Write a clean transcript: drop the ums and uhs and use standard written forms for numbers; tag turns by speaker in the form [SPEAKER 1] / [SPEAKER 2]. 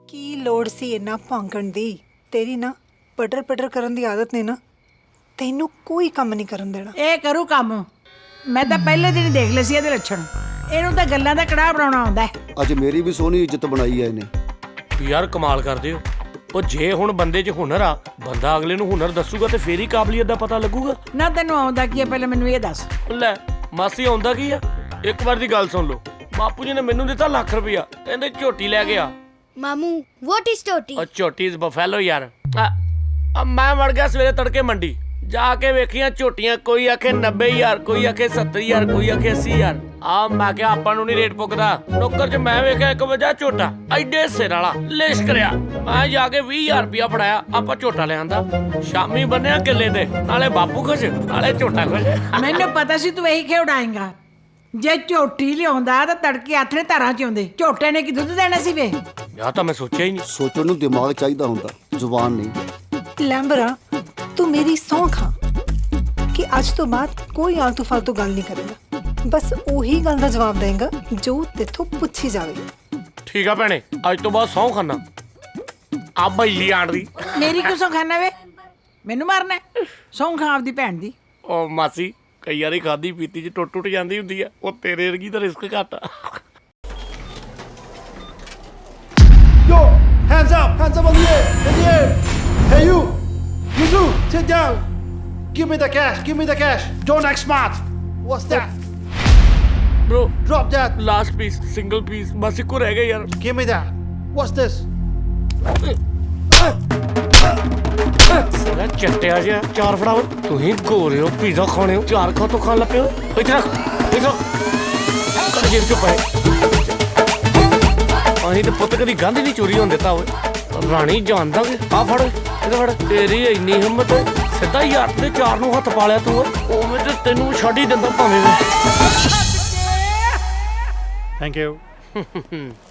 [SPEAKER 1] ਕੀ ਲੋੜ ਸੀ ਇੰਨਾ ਭੌਂਕਣ ਦੀ? ਤੇਰੀ ਨਾ ਪਟਰ ਪਟਰ ਕਰਨ ਦੀ ਆਦਤ ਨੇ ਨਾ ਤੈਨੂੰ ਕੋਈ ਕੰਮ ਨਹੀਂ ਕਰਨ ਦੇਣਾ।
[SPEAKER 2] ਇਹ ਕਰੂ ਕੰਮ। ਮੈਂ ਤਾਂ ਪਹਿਲੇ ਦਿਨ ਹੀ ਦੇਖ ਲਏ ਸੀ ਇਹਦੇ ਲੱਛਣ। ਇਹਨੂੰ ਤਾਂ ਗੱਲਾਂ ਦਾ ਕੜਾਹ ਬਣਾਉਣਾ ਆਉਂਦਾ ਹੈ।
[SPEAKER 3] ਅੱਜ ਮੇਰੀ ਵੀ ਸੋਹਣੀ ਇੱਜ਼ਤ ਬਣਾਈ ਐ ਇਹਨੇ।
[SPEAKER 4] ਯਾਰ ਕਮਾਲ ਕਰਦੇ ਹੋ। ਉਹ ਜੇ ਹੁਣ ਬੰਦੇ 'ਚ ਹੁਨਰ ਆ, ਬੰਦਾ ਅਗਲੇ ਨੂੰ ਹੁਨਰ ਦੱਸੂਗਾ ਤੇ ਫੇਰ ਹੀ ਕਾਬਲੀਅਤ ਦਾ ਪਤਾ ਲੱਗੂਗਾ।
[SPEAKER 2] ਨਾ ਤੈਨੂੰ ਆਉਂਦਾ ਕੀ ਹੈ ਪਹਿਲਾਂ ਮੈਨੂੰ ਇਹ ਦੱਸ।
[SPEAKER 4] ਲੈ ਮਾਸੀ ਆਉਂਦਾ ਕੀ ਆ? ਇੱਕ ਵਾਰ ਦੀ ਗੱਲ ਸੁਣ ਲਓ। ਬਾਪੂ ਜੀ ਨੇ ਮੈਨੂੰ ਦਿੱਤਾ ਲੱਖ ਰੁਪਇਆ, ਕਹਿੰਦੇ ਝੋਟੀ ਲੈ ਗਿਆ।
[SPEAKER 5] ਮਾਮੂ what is ਝੋਟੀ?
[SPEAKER 4] ਉਹ ਝੋਟੀ ਇਜ਼ ਬਫੈਲੋ ਯਾਰ। ਮੈਂ ਵੜ ਗਿਆ ਸਵੇਰੇ ਤੜਕੇ ਮੰਡੀ, ਜਾ ਕੇ ਵੇਖੀਆਂ ਝੋਟੀਆਂ। ਕੋਈ ਆਖੇ 90,000, ਕੋਈ ਆਖੇ 70,000, ਕੋਈ ਆਖੇ 80,000। ਮੈਂ ਕਿਹਾ ਆਪਾਂ ਨੂੰ ਨਹੀਂ ਰੇਟ ਪੁੱਗਦਾ। ਨੌਕਰ 'ਚ ਮੈਂ ਵੇਖਿਆ ਇੱਕ ਵਜਾ ਝੋਟਾ ਐਡੇ ਸਿਰ ਵਾਲਾ ਲਿਸ਼ ਕਰਿਆ। ਮੈਂ ਜਾ ਕੇ 20,000 ਰੁਪਇਆ ਫੜਾਇਆ, ਆਪਾਂ ਝੋਟਾ ਲਿਆਂਦਾ। ਸ਼ਾਮੀ ਬੰਨਿਆ ਕਿੱਲੇ ਤੇ, ਨਾਲੇ ਬਾਪੂ ਖੁਸ਼ ਨਾਲੇ ਝੋਟਾ ਖੁਸ਼।
[SPEAKER 2] ਮੈਨੂੰ ਪਤਾ ਸੀ ਤੂੰ ਇਹੀ ਖੇਡਾਏਂਗਾ। ਜੇ ਝੋਟੀ ਲਿਆਉਂਦਾ ਤਾਂ ਤੜਕੇ ਆਥਣੇ ਧਾਰਾਂ 'ਚ ਆਉਂਦੇ। ਝੋਟੇ ਨੇ ਕੀ ਦੁੱਧ ਦੇਣਾ ਸੀ ਵੇ?
[SPEAKER 4] ਯਾ ਤਾਂ ਮੈਂ ਸੋਚਿਆ ਹੀ ਨਹੀਂ।
[SPEAKER 3] ਸੋਚਣ ਨੂੰ ਦਿਮਾਗ ਚਾਹੀਦਾ ਹੁੰਦਾ, ਜ਼ੁਬਾਨ ਨਹੀਂ।
[SPEAKER 1] ਲੈਂਬਰਾ ਤੂੰ ਮੇਰੀ ਸਹੁੰ ਖਾ ਕਿ ਅੱਜ ਤੋਂ ਬਾਅਦ ਕੋਈ ਆਲਤੂ ਫਾਲਤੂ ਗੱਲ ਨਹੀਂ ਕਰੇਗਾ। ਬਸ ਉਹੀ ਗੱਲ ਦਾ ਜਵਾਬ ਦੇਂਗਾ ਜੋ ਤੇਥੋਂ ਪੁੱਛੀ ਜਾਵੇਗੀ।
[SPEAKER 4] ਠੀਕ ਆ ਭੈਣੇ, ਅੱਜ ਤੋਂ ਬਾਅਦ ਸਹੁੰ ਖਾਨਾ। ਆ ਬਈ ਆਣ ਦੀ
[SPEAKER 2] ਮੇਰੀ ਕਿਉਂ ਸੌਂ ਖਾਣਾ ਵੇ? ਮੈਨੂੰ ਮਾਰਨਾ ਸੌਂ ਖਾ ਆਪਦੀ ਭੈਣ ਦੀ।
[SPEAKER 4] ਉਹ ਮਾਸੀ ਕਈ ਵਾਰੀ ਖਾਦੀ ਪੀਤੀ 'ਚ ਟੁੱਟ ਜਾਂਦੀ ਹੁੰਦੀ ਆ। ਉਹ ਤੇਰੇ ਵਰਗੀ ਤਾਂ ਰਿਸਕ ਘੱਟ ਆ।
[SPEAKER 6] Yo, hands up on the air, in the air. Hey you two, sit down. Give me the cash. Don't act smart. What's that?
[SPEAKER 4] Bro,
[SPEAKER 6] Drop that.
[SPEAKER 4] Last piece, single piece ਬਸ ਇੱਕੋ ਰਹਿ ਗਿਆ ਯਾਰ।
[SPEAKER 6] Give me that. What's this?
[SPEAKER 4] ਸਾਲਾ ਚੱਟਿਆ ਜਿਹਾ ਚਾਰ ਫੜਾਓ। ਤੁਸੀਂ ਗੋਰੇ ਹੋ, ਪੀਜ਼ਾ ਖਾਣੇ ਹੋ, ਚਾਰ ਖਾ ਤੋਂ ਖਾਣ ਲੱਪੇ ਹੋ। ਇੱਥੇ ਰੱਖ, ਇੱਥੇ ਰੱਖ। ਜੇਬ ਚੋਂ ਪਏ। ਅਸੀਂ ਤੇ ਪੁੱਤ ਕਦੀ ਗੰਧ ਨਹੀਂ ਚੋਰੀ ਹੋਣ ਦਿੱਤਾ ਓਏ। ਰਾਣੀ ਜਾਣਦਾ ਕਿ ਆ ਫੜ ਇਹਦੇ ਫੜ। ਤੇਰੀ ਇੰਨੀ ਹਿੰਮਤ, ਸਿੱਧਾ ਯਾਰ ਦੇ ਚਾਰ ਨੂੰ ਹੱਥ ਪਾ ਲਿਆ ਤੂੰ। ਉਵੇਂ ਤੇ ਤੈਨੂੰ ਛੱਡ ਹੀ ਦਿੰਦਾ ਭਾਵੇਂ।
[SPEAKER 6] Thank you.